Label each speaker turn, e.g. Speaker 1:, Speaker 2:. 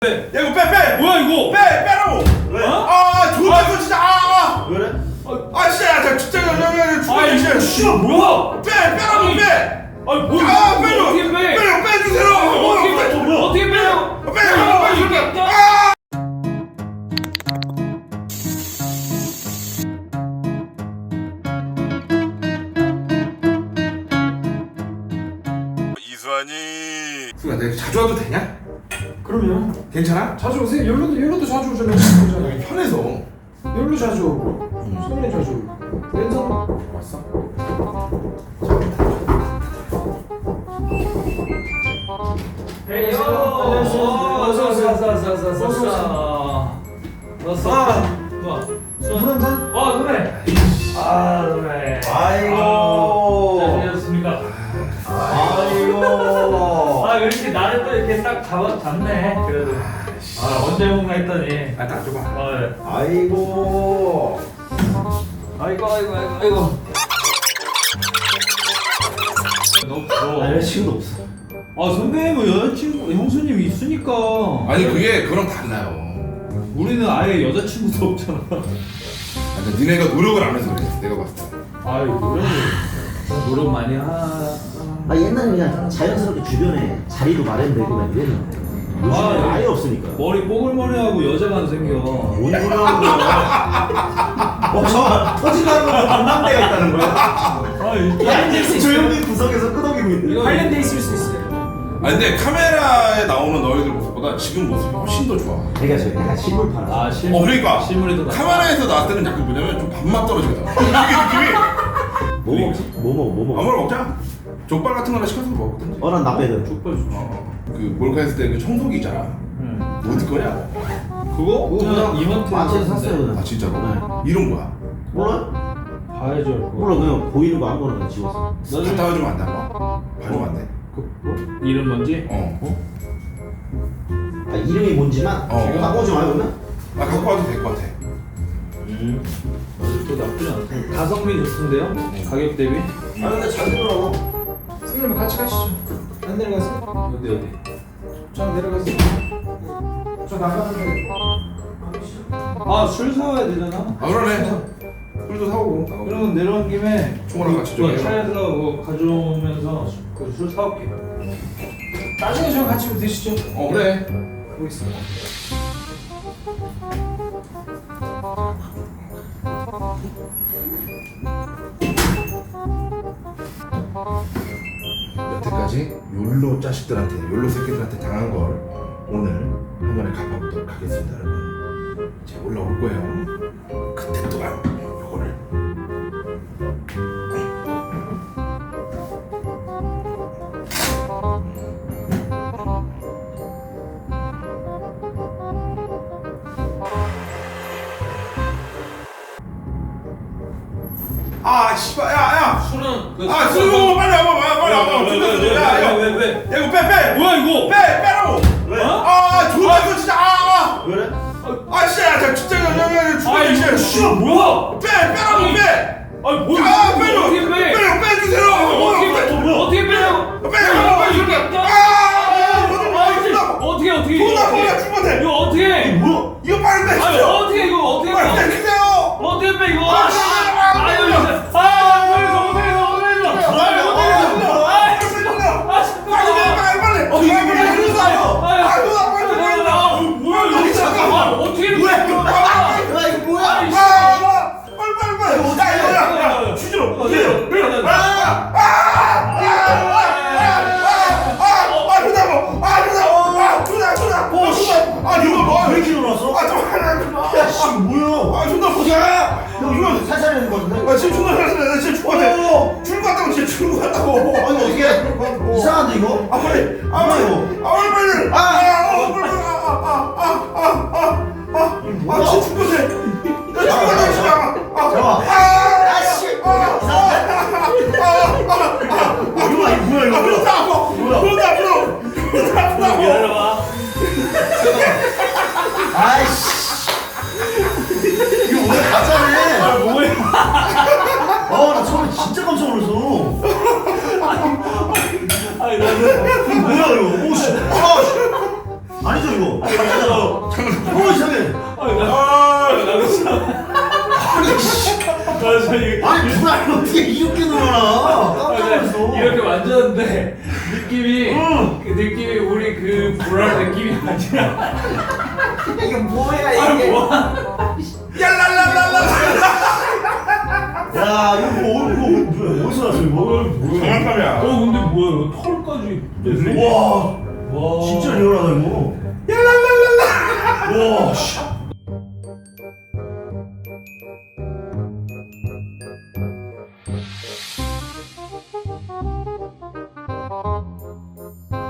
Speaker 1: 야 이거 빼!
Speaker 2: 뭐야 이거?
Speaker 1: 빼라고!
Speaker 2: 왜?
Speaker 1: 아 좋았어 진짜
Speaker 2: 왜 그래?
Speaker 1: 진짜 진짜
Speaker 2: 진짜 씨발 뭐야?
Speaker 1: 빼라고 빼!
Speaker 2: 아니 뭐?
Speaker 1: 빼줘!
Speaker 2: 어떻게 빼?
Speaker 1: 빼주세요!
Speaker 2: 어떻게 빼요?
Speaker 1: 빼라고! 이수환이 수가 내가 자주 와도 되냐?
Speaker 3: 그럼요.
Speaker 1: 괜찮아?
Speaker 3: 자주 오세요. 열로도 자주 오잖아요. 그러잖아요.
Speaker 1: 여기 편해서
Speaker 3: 열로 자주 오고, 손님 자주 오고. 왼손
Speaker 1: 왔어?
Speaker 3: 물 한 잔?
Speaker 2: 노래. 노래.
Speaker 4: 아이고.
Speaker 2: 잘 지냈습니까?
Speaker 4: 아이고.
Speaker 2: 왜 이렇게 나를 또 이렇게 딱 잡네. 그래도. 언제 먹나 했더니.
Speaker 1: 딱 줘봐
Speaker 2: 예.
Speaker 4: 아이고.
Speaker 2: 아이고. 너무 부러워.
Speaker 4: 여자친구도 없어.
Speaker 2: 선배님은 여자친구, 형수님이 있으니까.
Speaker 1: 아니 그게 그랑 달라요
Speaker 2: 우리는 아예 여자친구도 없잖아.
Speaker 1: 니네가 노력을 안 해서 그래 내가 봤을 때
Speaker 2: 노력 많이 하.
Speaker 4: 옛날에 그냥 자연스럽게 주변에 자리도 마련되고 그냥 이랬는데 요즘에 아예 없으니까.
Speaker 2: 머리 뽀글머리하고 여자가 안 생겨.
Speaker 4: 뭔 소리 하는 거야? 잠깐만. 터지는 거 반남대가 있다는 거야? 야, 조용히 구석에서 끄덕이고 있는.
Speaker 3: 관련돼 있을 수 있어요.
Speaker 1: 근데 카메라에 나오는 너희들 모습보다 지금 모습이 훨씬 더 좋아
Speaker 4: 내가 저 약간 실물 팔아.
Speaker 2: 실물.
Speaker 1: 그러니까
Speaker 2: 실물이 더
Speaker 1: 카메라에서 나왔을 때는 약간 뭐냐면 좀 밥맛 떨어지거든 이게 느낌이
Speaker 4: 뭐 먹지? 뭐 먹어?
Speaker 1: 아무나 먹자 족발 같은 거나 시켜서 먹든지
Speaker 4: 난 나빼든.
Speaker 2: 족발 좋지.
Speaker 1: 그 몰카 했을 때 그 청소기 있잖아 어디 거냐?
Speaker 2: 그거 그냥 이마트에서
Speaker 4: 마트에서 샀어요 그냥.
Speaker 1: 아 진짜로?
Speaker 4: 네.
Speaker 1: 이름 뭐야?
Speaker 4: 몰라?
Speaker 2: 봐야죠. 그거.
Speaker 4: 몰라, 그냥 보이는 거 아무거나 그냥 지웠어.
Speaker 1: 갔다 와주면 안 돼? 봐주면 안 돼?
Speaker 2: 이름 뭔지?
Speaker 4: 이름이 뭔지만 갖고 오지 마요 그러면?
Speaker 1: 갖고 와도 될 것 같아
Speaker 2: 또 나쁘지 않다. 가성비 좋던데요? 가격 대비?
Speaker 4: 근데 잘 되더라고.
Speaker 3: 선생님 같이 가시죠. 안 내려가세요?
Speaker 2: 어디?
Speaker 3: 저 내려가세요. 저 나가는데.
Speaker 2: 술 사와야 되잖아.
Speaker 1: 그러네 술도 사오고
Speaker 2: 그러면 내려온 김에
Speaker 1: 총알랑 같이 좀 해요.
Speaker 2: 차에 들어가고 가져오면서 그 술 사올게.
Speaker 3: 나중에 저랑 같이 드시죠.
Speaker 1: 그래
Speaker 3: 보겠습니다.
Speaker 1: 여태까지 욜로 자식들한테 욜로 새끼들한테 당한 걸 오늘 한 번에 갚아보도록 하겠습니다 여러분 이제 올라올 거예요 그때 또한 요거를 씨발 야야
Speaker 2: 술은
Speaker 1: 술 먹어 빨리 와봐
Speaker 2: 왜?
Speaker 1: 야 이거 빼
Speaker 2: 뭐야 이거?
Speaker 1: 빼라고
Speaker 2: 왜?
Speaker 1: 좋았어 진짜
Speaker 4: 왜 그래?
Speaker 1: 진짜 진짜
Speaker 2: 씨발 뭐야?
Speaker 1: 빼라고 빼
Speaker 2: 뭐야? 어떻게 빼?
Speaker 1: 빼주세요
Speaker 2: 어떻게 빼요? 어떻게
Speaker 1: 이거
Speaker 2: 이거 어떻게?
Speaker 1: 뭐야? 이거 빨리 빼
Speaker 2: 어떻게 이거 어떻게
Speaker 1: 빨리
Speaker 2: 빼?
Speaker 1: 빼주세요
Speaker 2: 어떻게 빼 이거?
Speaker 4: 살살 내는 거 같은데?
Speaker 1: 지금 존나 잘했어 나 진짜 죽었네 출구 갔다고 진짜 출구 갔다고
Speaker 4: 아니 어떻게 이상한데 이거?
Speaker 1: 빨리 진짜 죽었네 나 죽었네 진짜
Speaker 4: 잠깐만. 아씨 뭐야 이거? 아이씨 이거 오늘 가짜네.
Speaker 2: 뭐야?
Speaker 4: 나 처음에 진짜 깜짝 놀랐어.
Speaker 2: 나는
Speaker 4: 뭐야 이거? 오씨. 아니죠 이거.
Speaker 2: 던졌는데 느낌이 그 느낌이 우리 그 불알 느낌이 아니라
Speaker 4: 이게 뭐야
Speaker 2: 아
Speaker 4: 이게?
Speaker 2: 뭐야
Speaker 1: 얄랄랄랄라.
Speaker 4: 야 이거 뭐야? 어디서 났어 이거?
Speaker 1: 장난감이야.
Speaker 2: 근데 뭐야 털까지 됐네?
Speaker 4: 와
Speaker 2: 와
Speaker 4: 진짜 리얼하다 이거.
Speaker 1: 얄랄랄랄라.
Speaker 4: 와 씨.